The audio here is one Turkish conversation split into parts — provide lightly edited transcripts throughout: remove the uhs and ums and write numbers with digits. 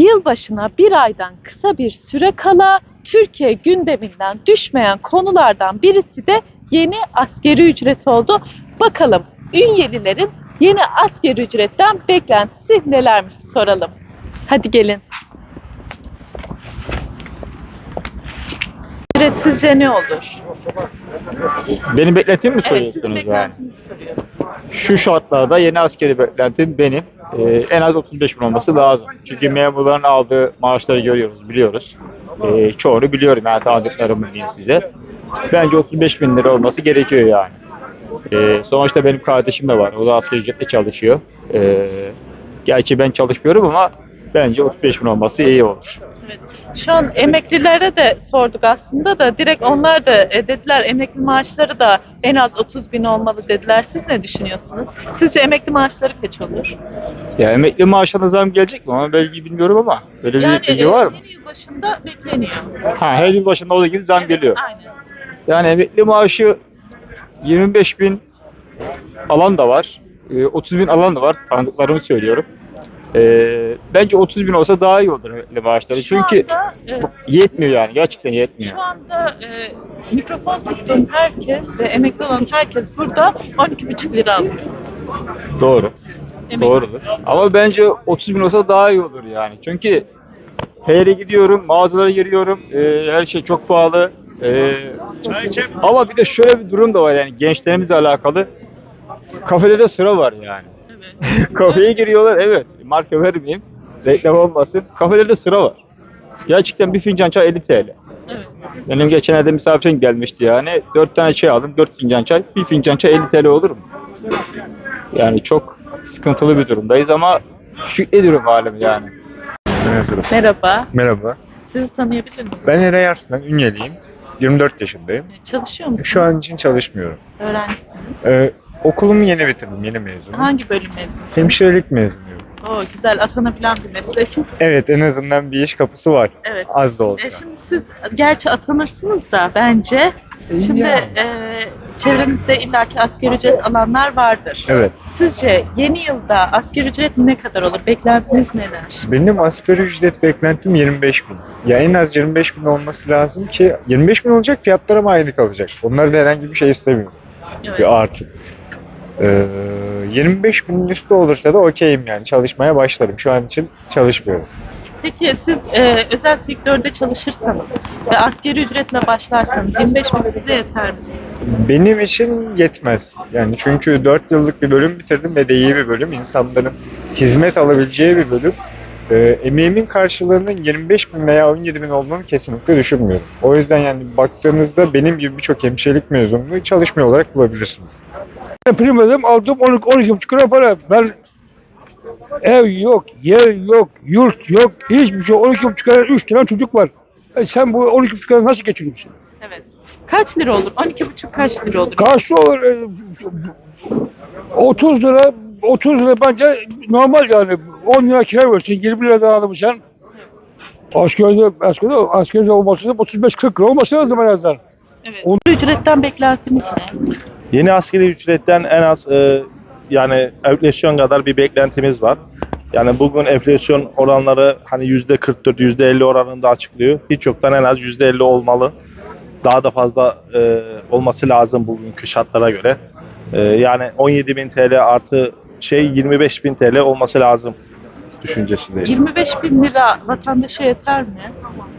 Yılbaşına bir aydan kısa bir süre kala Türkiye gündeminden düşmeyen konulardan birisi de yeni asgari ücret oldu. Bakalım Ünyelilerin yeni asgari ücretten beklentisi nelermiş soralım. Hadi gelin. Ücret sizce ne olur? Benim beklentimi mi Evet, sizin soruyorsunuz yani? beklentinizi soruyorum. Şu şartlarda yeni askeri beklentim benim en az 35 bin olması lazım. Çünkü memurların aldığı maaşları görüyoruz, biliyoruz. Çoğunu biliyorum yani, tanıdıklarımı diyeyim size. Bence 35 bin lira olması gerekiyor yani. Sonuçta benim kardeşim de var. O da asgari ücretle çalışıyor. Gerçi ben çalışmıyorum ama bence 35 bin olması iyi olur. Evet. Şu an emeklilere de sorduk aslında da direkt onlar da dediler emekli maaşları da en az 30 bin olmalı dediler. Siz ne düşünüyorsunuz? Sizce emekli maaşları kaç olur? Ya emekli maaşına zam gelecek mi? Ama belki bilmiyorum ama. Böyle bir bilgi var mı? yeni yıl başında bekleniyor. Her yıl başında olduğu gibi zam geliyor. Aynen. Yani emekli maaşı 25 bin alan da var. 30 bin alan da var. Tanıdıklarımı söylüyorum. Bence 30 bin olsa daha iyi olur emekli maaşları. Çünkü yetmiyor yani. Gerçekten yetmiyor. Şu anda mikrofon tuttuğum herkes ve emekli olan herkes burada 12,5 lira alıyor. Doğru. Emekli. Doğrudur. Ama bence 30 bin olsa daha iyi olur yani. Çünkü her yere gidiyorum, mağazalara giriyorum. Her şey çok pahalı. Ama bir de şöyle bir durum da var yani, gençlerimizle alakalı. Kafede de sıra var yani. Evet. Kafeye giriyorlar, evet. Marka vermeyeyim, reklam olmasın. Kafelerde sıra var. Gerçekten bir fincan çay 50 TL. Evet. Benim geçenlerde misafirim gelmişti yani. 4 tane çay aldım, 4 fincan çay. Bir fincan çay 50 TL olur mu? Yani çok sıkıntılı bir durumdayız ama şükrediyorum halim yani. Merhaba. Merhaba. Sizi tanıyabilir miyim? Ben Eray Arslan, Ünyeliyim. 24 yaşındayım. Çalışıyor musunuz? Şu an için çalışmıyorum. Öğrencisiniz. Okulumu yeni bitirdim, yeni mezunum. Hangi bölüm mezunusunuz? Hemşirelik mezunuyum. Oo, güzel, atanabilen bir meslek. Evet, en azından bir iş kapısı var. Evet. Az da olsa. Şimdi siz gerçi atanırsınız da bence şimdi Yani. çevrenizde illaki asgari ücret alanlar vardır. Evet. Sizce yeni yılda asgari ücret ne kadar olur? Beklentiniz neler? Benim asgari ücret beklentim 25 bin. Ya en az 25 bin olması lazım ki 25 bin olacak, fiyatlara mı aynı kalacak? Onlarda herhangi bir şey istemiyorum. Evet. Bir artı. 25 binin üstü olursa da okeyim yani, çalışmaya başlarım. Şu an için çalışmıyorum. Peki siz özel sektörde çalışırsanız ve asgari ücretle başlarsanız 25 bin size yeter mi? Benim için yetmez. Yani çünkü 4 yıllık bir bölüm bitirdim ve de iyi bir bölüm. İnsanların hizmet alabileceği bir bölüm. Emeğimin karşılığının 25 bin veya 17 bin olduğunu kesinlikle düşünmüyorum. O yüzden yani baktığınızda benim gibi birçok hemşirelik mezununu çalışmıyor olarak bulabilirsiniz. Prim ödedim, aldım 12,5 lira para. Ben ev yok, yer yok, yurt yok, hiçbir şey. 12,5 lira 3 tane çocuk var. Sen bu 12,5 lira nasıl geçiniyorsun? Evet. Kaç lira olur? 12,5 kaç lira olur? Karşı olur 30 lira, 30 lira bence normal yani. 10 lira kira versin, 20 lira daha almışsın. Askeride olması lazım, 35-40 lira olması lazım en azından. Evet. Ücretten beklentiniz ne? Yeni asgari ücretten en az yani enflasyon kadar bir beklentimiz var. Yani bugün enflasyon oranları hani %44, %50 oranında açıklıyor. Hiç yoktan en az %50 olmalı. Daha da fazla olması lazım bugünkü şartlara göre. Yani 17.000 TL artı 25.000 TL olması lazım düşüncesindeyim. 25 bin lira vatandaşa yeter mi?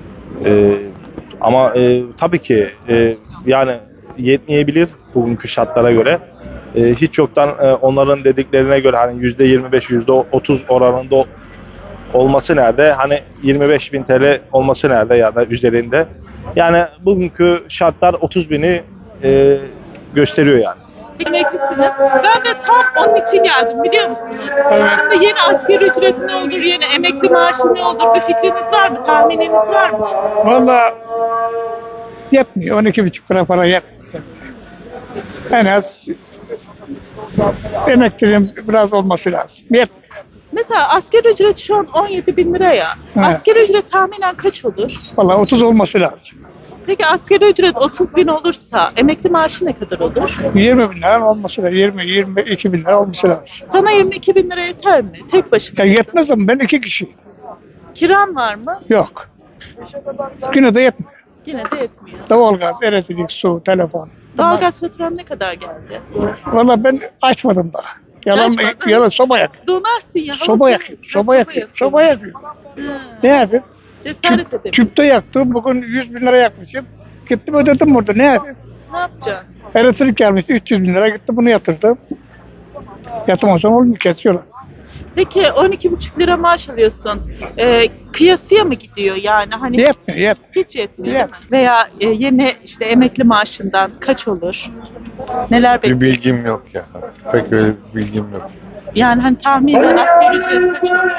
Ama tabii ki yani yetmeyebilir bugünkü şartlara göre. Hiç yoktan onların dediklerine göre hani %25, %30 oranında olması nerede? Hani 25.000 TL olması nerede ya da üzerinde? Yani bugünkü şartlar 30 bini gösteriyor yani. Emeklisiniz. Ben de tam onun için geldim biliyor musunuz? Şimdi yeni asgari ücret ne olur, yeni emekli maaşı ne olur bir fikriniz var mı, tahmininiz var mı? Valla yetmiyor, 12,5 lira para yetmiyor. En az emekliliğin biraz olması lazım. Yetmiyor. Mesela asgari ücret şu an 17 bin lira ya. Evet. Asgari ücret tahminen kaç olur? Valla 30 olması lazım. Peki asgari ücret 30 bin olursa emekli maaşı ne kadar olur? 20 bin lira olması lazım. 20-22 bin lira olması lazım. Sana 22 bin lira yeter mi? Tek başına. Ya yetmez ama ben 2 kişi. Kiran var mı? Yok. Yine de yetmiyor. Yine de yetmiyor. Doğalgaz, elektrik, su, telefon. Doğalgaz faturan ne kadar geldi? Valla ben açmadım daha. Açmadın? Yalan soba yakıyor. Donarsın ya. hava Soba soğuk. yakıyor. Ha, Soba yakıyor. yakıyorsun. Soba yakıyor. Ha, Ne yapayım? cesaret edemiyorum. Tüpte yaktım. Bugün 100 bin lira yakmışım. Gittim ödedim burada. Ne yapayım? Ne yapacaksın? Elektrik gelmişti 300 bin lira. Gittim bunu yatırdım. Yatırmasam olmuyor. Kesiyorlar. Peki 12,5 lira maaş alıyorsun. Kıyasıya mı gidiyor yani? Hani Yetmiyor. Yetmiyor. hiç yetmiyor değil mi? Veya yeni işte emekli maaşından kaç olur? Neler Bir bekliyorsun? bilgim yok ya. Pek öyle bir bilgim yok. Yani hani tahminen asgari ücret kaç olur?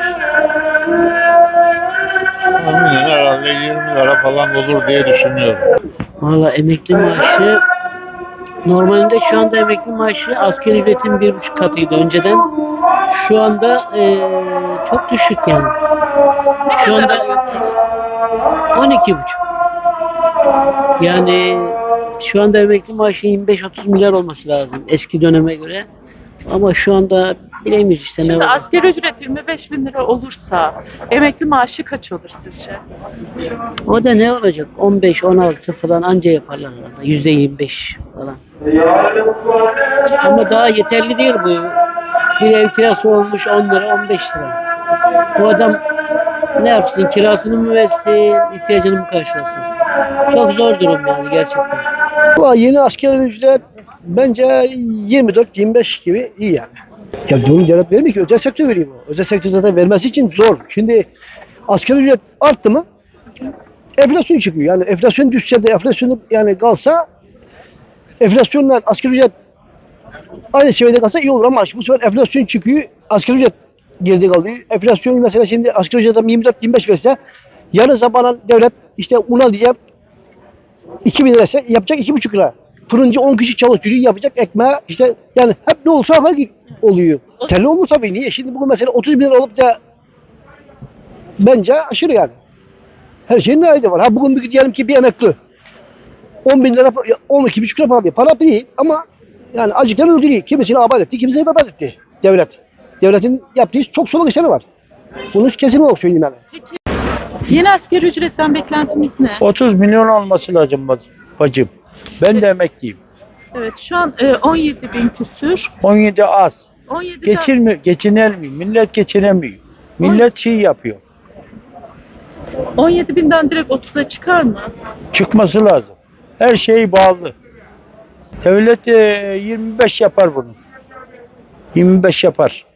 Tahminen herhalde 20 lira falan olur diye düşünüyorum. Valla emekli maaşı normalde şu anda emekli maaşı asgari ücretin 1,5 katıydı önceden. Şu anda çok düşük yani. Ne Şu kadar anda alıyorsunuz? 12,5. Yani şu anda emekli maaşı 25-30 milyar olması lazım eski döneme göre. Ama şu anda bilemiyoruz işte ne Şimdi var. asgari ücret 25 bin lira olursa emekli maaşı kaç olur sizce? O da ne olacak? 15-16 falan anca yaparlar herhalde. %25 falan. Ama daha yeterli değil bu. Bir ev kirası olmuş 10 lira 15 lira. Bu adam ne yapsın? Kirasını mı versin? İhtiyacını mı karşılasın? Çok zor durum yani gerçekten. Valla yeni asgari ücret bence 24-25 gibi iyi yani. Ya bunu devlet vermiyor ki, özel sektör veriyor bu. Özel sektör zaten vermesi için zor. Şimdi asgari ücret arttı mı enflasyon çıkıyor. Yani enflasyon düşse de enflasyon yani kalsa enflasyonla asgari ücret aynı seviyede kalsa iyi olur ama bu sefer enflasyon çıkıyor. Asgari ücret geride kalıyor. Enflasyon mesela şimdi asgari ücret adam 24-25 verse yarın sabahın devlet işte una diyecek 2.000 lira ise yapacak 2,5 lira. Fırıncı 10 kişi çalıştırıyor, yapacak ekmeği işte yani hep ne olsa akla oluyor. Telli olur tabii. Niye? Şimdi bugün mesela 30 bin lira olup da bence aşırı yani. Her şeyin nerede var. Ha bugün diyelim ki bir emekli 10 bin lira, 12,5 lira para alıyor. Para değil ama yani acıkları öldürüyor. Kimisini abat etti, kimisini berbat etti devlet. Devletin yaptığı çok soluk işleri var. Bunu kesin olarak söyleyeyim yani. Yeni asgari ücretten beklentiniz ne? 30 milyon olması lazım bacım. Ben de emekliyim. Evet şu an 17 bin küsür. 17 az. 17'den Geçinemiyor. Millet geçinemiyor. Millet şey yapıyor. 17 binden direkt 30'a çıkar mı? Çıkması lazım. Her şey bağlı. Devlet 25 yapar bunu. 25 yapar.